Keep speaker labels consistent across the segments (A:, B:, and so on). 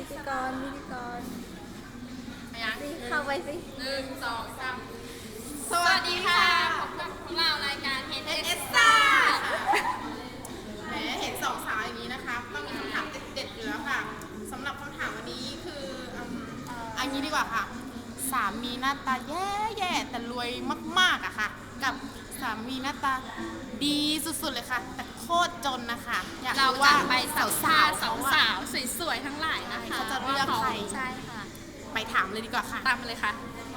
A: พิธีกร
B: ไปยัง
A: เข้าไปสิ
B: 1 2 3สวัสดีค่ะพบกับพวกเรารายการ HSS แหมเห็นสองสาวอย่างนี้นะคะต้องมีคำถามเด็ดๆอยู่แล้วค่ะสำหรับคำถามวันนี้คืออันนี้ดีกว่าค่ะสามีหน้าตาแย่ๆแต่รวยมากๆอะค่ะกับสามีหน้าตาดีสุดๆเลยค่ะแต่โคตรจนนะคะอยาก
C: เรา
B: รู้
C: จะ
B: ว่า
C: ไปสาว
B: สาว
C: สาวสาวสวยๆทั้งหลายนะคะ
B: เขาจะเลือกใคร
C: ใช่ค่ะ
B: ไปถามเลยดีกว่าค่ะ
C: ตามมาเลยค่ะ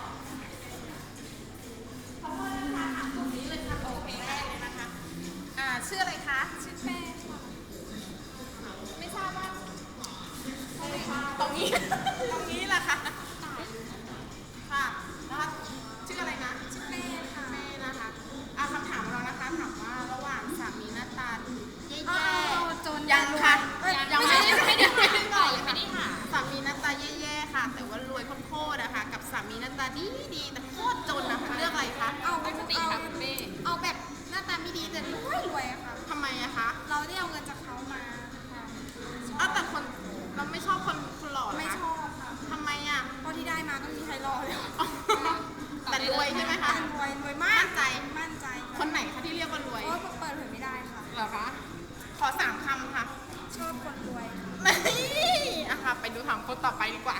B: ตรงนี้เลยค่ะโอเคแรกเลยนะคะชื่ออะไรคะชื่อแป้งค่ะไม่ทราบว่าตรงนี้ ตรงนี้แหละค่ะค่ะแล้วชื่ออะไรนะชื่อแม่ค่ะแม่นะคะคำถามของเรานะคะถามว่าระหว่างสามีหน้าตาแย่ๆ
C: จน
B: ยังค่ะ
C: ยังไม่ได้หน่อยยังไม่ได้หา
B: สามีหน้าตาแย่ๆค่ะ แต่ว่ารวยโคตรๆนะคะกับสามีหน้าตาดีๆแต่โคตรจนนะคะเลือกอะไรคะ
C: เอาปกติค่ะคุณเป้
A: เอาแบบหน้าตาไม่ดีแต่รวยอะค่ะ
B: ทำไมอะคะ
A: เราได้เอาเงินจากเขามาค่ะ
B: แต่คนเราไม่ชอบคนหล่อเหรอคะ
A: ไม่ชอบค่ะ
B: ทำไมอะ
A: เพราะที่ได้มาก็มีใครรอเลย
B: แต่รวยใช่ไหมคะ
A: รวยมาก
B: มั่นใจ
A: มั่นใจ
B: คนไหนคะที่เรียกว่ารวย
A: เพราะเปิดเผยไม่ได้ค่ะ
B: เหรอคะ ขอ3 คำค่ะ
A: ชอบคนรวยค่ะ
B: นี่อะค่ะ ไปดูถามคนต่อไปดีกว่า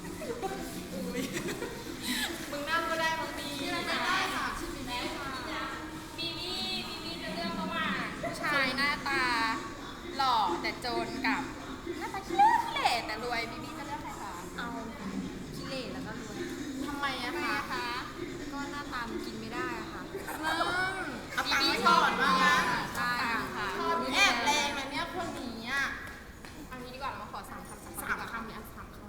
B: มึงนั่งก็ได้มึงมีไม่ได้ค่ะชื่อมีได้ค่ะ
C: มีมี่จะเลือกระหว่างผู้ชายหน้าตาหล่อแต่จนกับหน้าตาขี้เหร่แต่รวยบีบี้จะเลือกใครคะ
A: เอาขี้เหร่แล้วก็รวย
B: ทำไมอะคะ
A: ก็หน้าตามันกินไม่ได้อะค่ะ
B: เอาตังค์ไว้ก่อนว่างั้น
C: ใช่ค่ะ
B: แอบแรงนะเนี่ยคนนี้อ่ะเอางี้ดีกว่าเรามาขอ3 คำเนี่ย3 คำ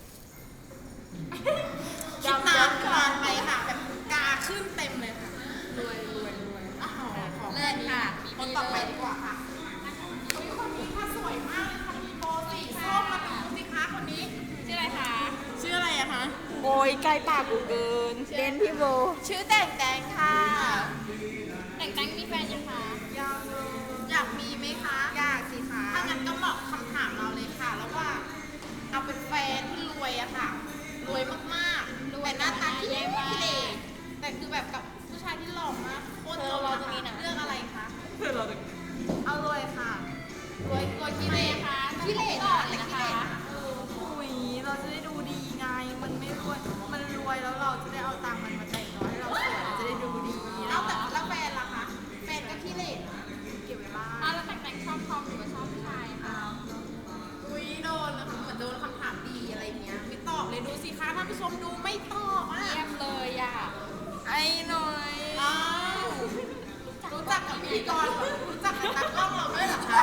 B: คิดนานไปค่ะแบบกาขึ้นเต็มเลยค่ะรวยขอแค่นี้ค่ะคนต่อไปดีกว่าค่ะคนนี้ค่ะสวยมากเลยค่ะมีโบสีส้มมาดูสิคะคนนี้
C: ชื่ออะไรคะ
B: ชื่ออะไรอะคะ
A: โอ้ยใกล้ปากกูเกินเดนพี่โบ
B: ชื่อแต่งค่ะ
C: แต่งมีแฟนยังคะ
B: อยากมีไหมคะอยากสิคะถ้างั้นก็เหมาะคำถามเราเลยค่ะแล้วว่าเอาเป็นแฟนที่รวยอะค่ะรวยมากๆแต่หน้าตาที่ขี้เหร่แต่คือแบบกับผู้ชายที่หล่อมากโคตรหล่อนะคะเลือกอะไรคะเอารวยค่ะรวยขี้เหร่ค่ะขี้เหร่หล่อเลยนะคะ
A: อุ้ยเราจะได้ดูดีไง มันไม่รวย มันรวยแล้วเราจะได้เอาตังค์มันมาแต่งน้อยให้เราสวยเราจะได้ดูดี
B: เอาแต่แล้วแฟนล่ะคะแฟนก็ขี้เหร่นะเก็บไว้บ้าง
C: แล้วแต่งชอบทอมหรือว่าชอบผู้ชายคะ
B: อุ้ยโดนนะคะเหมือนโดนคำถามดีอะไรเงี้ยไม่ตอบเลยดูสิคะท่านผู้ชมดูไม่ตอบอ่ะ
C: เยี่ยมเลยอ่ะ
A: ไอ้หน่อย
B: อ้าวรู้จักกับพิธีกรเหรอรู้จักกับตากล้องเราด้วยเหรอคะ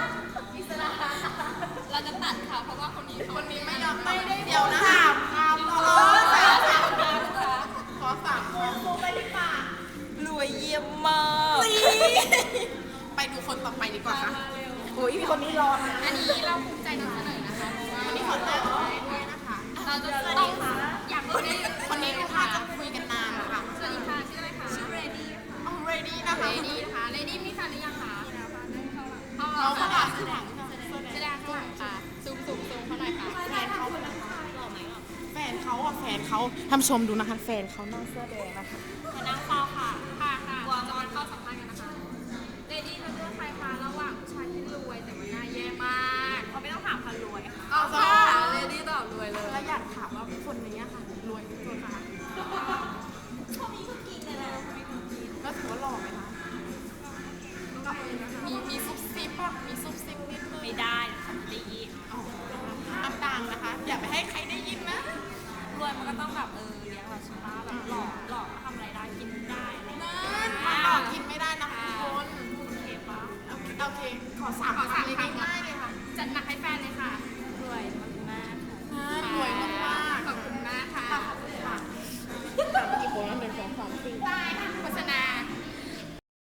C: เราจะตัดค่ะเพราะว่าคนนี้เขา
B: คนนี้ไม่ยอมไม่ได้เดี๋ยวนะถามคำขอ3 คำไปดีกว่าร
A: วยเยี่ยมมาก
B: ไปดูคนต่อไปดีกว่าค่ะ
A: โอ้ยคนนี้ร้อนนะ
C: อันนี้เราภูมิใจนำเสนอนะคะเพราะว่า
B: วันนี้ขอแจ้งด้วยนะคะ
C: เราจะต้องอยากรู้ได้
B: คนนี้นะคะจะคุยกันนานนะคะ
C: สวัสดีค่ะชื่ออะไรคะชื่อเรดี้
B: เอาเรดี้นะคะ
C: เรดี้นะคะเรดี้มีแฟนหรือยังคะเอา
B: เราค่ะ
C: แสดงข้างหลังค่ะซูมเขาหน่อยค่ะ
B: แฟนเขาแฟนเขาอ่ะแฟนเขาท่านผู้ชมดูนะคะแฟนเขาหน้าเสื้อแดงนะคะ
C: มานั่งเฝ้าค่ะวางจอนเข้าสัมภาษณ์กันนะคะเรดี้จะเลือกใครคะระหว่างผู้ชายที่รวยแต่ว่าหน้าแย่มากเขาไม่ต้องถามค่ะรวยค่ะ
B: เอาจ้า
C: เรดี้ตอบรวยเลย
B: แล้วอยากถามว่าคนนี้ค่ะรวยที่สุดค่ะแล้วถือว่าหล่อไหมคะมีซุบซิบป่ะมีซุบซิบนิดนึง
C: ไม่ได้ทำตี
B: ต่างๆนะคะ อย่าไปให้ใครได้ยินนะ
C: รวยมันก็ต้องแบบเลี้ยงเราใช่ไหมแบบหล่อก็ทำอะไรได้กินได้